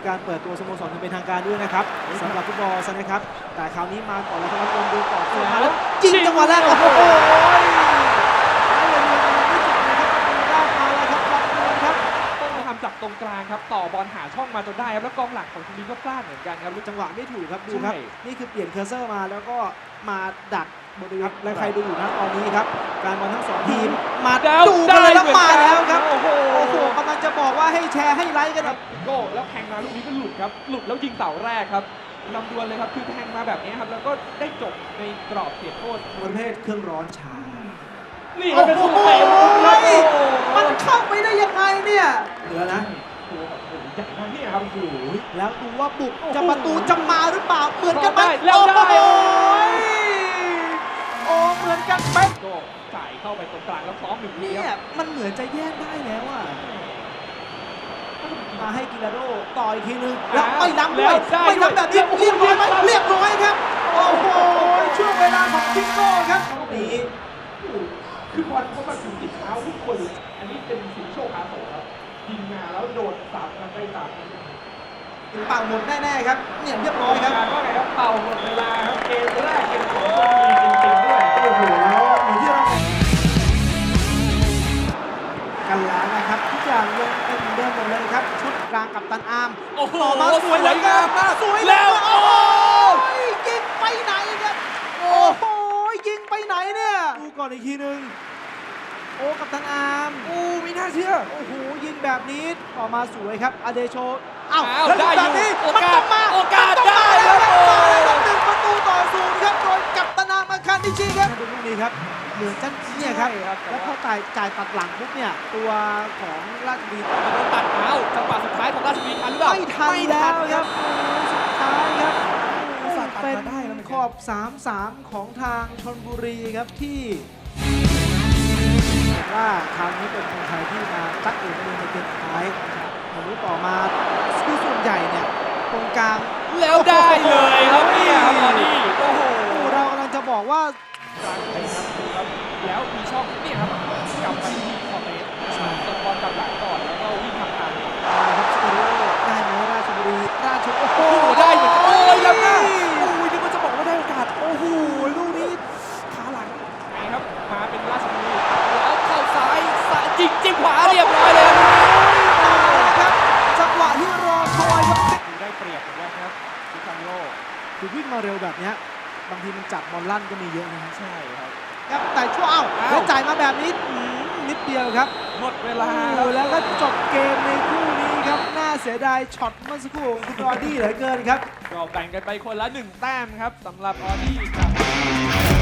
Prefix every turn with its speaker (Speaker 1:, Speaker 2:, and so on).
Speaker 1: การเปิดตัวสโมสรอย่างเป็นทางการด้วยนะครับสำหรับฟุตบอลนะครับแต่คราวนี้มาก่อนแล้วครับดูก่อนมาแล้วยิงจังหวะแรกโอ้โห
Speaker 2: ต้องมาทำจับตรงกลางครับต่อบอลหาช่องมาจนได้ครับแล้วกองหลังของทีมนี้ก็พลาดเหมือนกันครับ
Speaker 1: จังหวะไม่ถูกครับดูครับนี่คือเปลี่ยนเคอร์เซอร์มาแล้วก็มาดักบริเวณและใครดูอยู่นะตอนนี้ครับการบอลทั้งสองทีมมาดูกันเลยแล้วมาแล้วครับโอ้โหกำลังจะบอกว่าให้แชร์ให้ไลค์กันครับ
Speaker 2: โก้แล้วแทงมาลูกนี้ก็หลุดครับหลุดแล้วยิงเสาแรกครับลำดวนเลยครับคือแทงมาแบบนี้ครับแล้วก็ได้จบในกรอบเขตโทษ
Speaker 1: ประเภทเครื่องร้อนช้า
Speaker 2: นี่เป็นสุดเตะ
Speaker 1: มันเข้าไปได้ยังไงเนี่ยเหลือนะ
Speaker 2: ตัวแบบใหญ่มากเนี่ยครับโอ้โห
Speaker 1: แล้วดูว่าบุกจะประตูจะมาหรือเปล่าเหมือนกันไหม
Speaker 2: แล้วได้
Speaker 1: โอ้เหมือนกันไหม
Speaker 2: โก้จ่ายเข้าไปตรงกลางแล้วซ้อมหนึ่งที
Speaker 1: เนี่
Speaker 2: ค
Speaker 1: ย
Speaker 2: รับ
Speaker 1: มันเหมือนจะแยกได้แล้วอ่ะมาให้กิลาโดต่ออีกทีนึงแล้วไม่ล้ำด้วยไม่ล้ำแบบนี้เรียบร้อยไหมเรียบร้อยครับโอ้โหช่วงเวลาของทิโก้ครับนี่
Speaker 2: คือบอลเขามาถึงติดเท้าทุกคนอันนี้เป็นสิงโชคอาโศกครับยิงมาแล้วโดดสามกันไปสามกัน
Speaker 1: เป่าหมดแน่ๆครับเนี่ยเรียบร้อยครับ
Speaker 2: การว่าไงครับเป่าหมดเวลาครับเกมแรกเกมสองก็มีจริงๆด้วยโอ้โห
Speaker 1: แล้วเหมือนที่เรากันแล้วนะครับทุกอย่างยังเป็นเหมือนเดิมหมดเลยครับชุดกลางกับตันอาร์ม
Speaker 2: โอ้โห
Speaker 1: ต่อมาสวยแล้วก็สวยแล้วโอ้โหยิงไปไหนครับโอ้โหยิงไปไหนเนี่ยดูก่อนอีกทีนึงโอ้กับตันอาร์มโอ้ไม่น่าเชื่อโอ้โหยิงแบบนี้ต่อมาสวยครับอเดโชอ้าวแล้วแบบนี้มันต้องมาโอกาสได้แล้ว1 ประตูต่อ 0ครับโดยกัปตันอาร์มอาคารนิชิครับดูลูกนี้ครับเหมือนจันเนี่ยครับแล้วพอจ่ายตัดหลังปุ๊บเนี่ยตัวของราชบุรี
Speaker 2: ตัดเท้าจังหวะสุดท้ายของราชบุรีทันหรือเปล่า
Speaker 1: ไม่ทันแล้วครับสุดท้ายครับเป็นขอบ 3-3 ของทางชลบุรีครับที่ว่าคราวนี้เป็นคนไทยที่มาจักเองในเกมสุดท้ายมารู้ต่อมาคือส่วนใหญ่เนี่ยตรงกลาง
Speaker 2: แล้วได้เลยครับเนี่ยครับตอนนี้โอ้โห
Speaker 1: เรากำลังจะบอกว่า
Speaker 2: กลางไปครับดูครับแล้วมีช่องเนี่ยครับกลับไปที่คอร์เตสตบอลกลับหลังก่อนแล้วก็วิ่งทางทาง
Speaker 1: ครับสเตอริโอได้ไหมราชบุรีโอ้โห
Speaker 2: ได้เหมือนกันโอ้ยแล้วนะ
Speaker 1: โอ้ยนึกว่าจะบอกว่าได้โอกาสโอ้โหลูกนี้ขาหลัง
Speaker 2: ไงครับมาเป็นราชบุรีแล้วเข้าซ้ายจิ้มขวาเรียบร้อยเลย
Speaker 1: ครับจังหวะที่รอคอยครับ
Speaker 2: ได้เปรียบเหมือนกันครับดิคาโล
Speaker 1: คือวิ่งมาเร็วแบบนี้บางทีมันจับบอลลั่นก็มีเยอะนะฮะ
Speaker 2: ใช่ครับ
Speaker 1: ครับแต่ช่วงแล้วจ่ายมาแบบนี้นิดเดียวครับ
Speaker 2: หมดเวลา
Speaker 1: โอ้แล้วก็จบเกมในคู่นี้ครับน่าเสียดายช็อตเมื่อสักครู่ของคุณรอดี้เหลือเกินครับ
Speaker 2: ก็แบ่งกันไปคนละ1 แต้มครับสำหรับออดี้กับ